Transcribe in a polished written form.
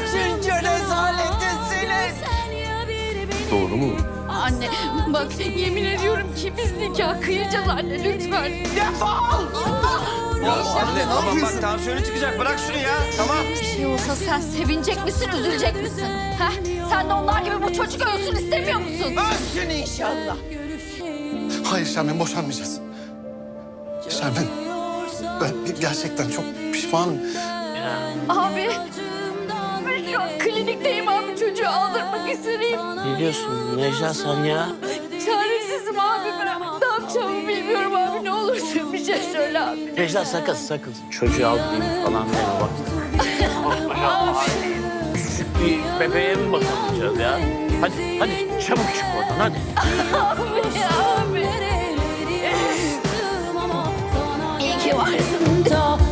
Kaçıncı rezaletinsiniz? Doğru mu? Anne bak yemin ediyorum ki biz nikah kıyacağız anne lütfen. Defol! Ya anne tamam bak tansiyonu çıkacak. Bırak şunu ya. Tamam. Bir şey olsa sen sevinecek misin, üzülecek misin? Heh? Sen de onlar gibi bu çocuk ölsün istemiyor musun? Ölsün inşallah. Hayır Şermin, boşanmayacağız. Şermin, ben gerçekten çok pişmanım. Abi ben şu an klinikteyim abi çocuğu aldırmak isteyeyim. Ne diyorsun Necla sen ya? Çaresizim abi ben. Ne yapacağımı bilmiyorum abi. Ne olursun bir şey söyle abi. Necla sakın sakın. Çocuğu alayım falan deme bak. Küçük bir bebeğe mi bakamayacağız ya? Hadi çabuk çık oradan hadi. Abi abi. İyi ki varsın.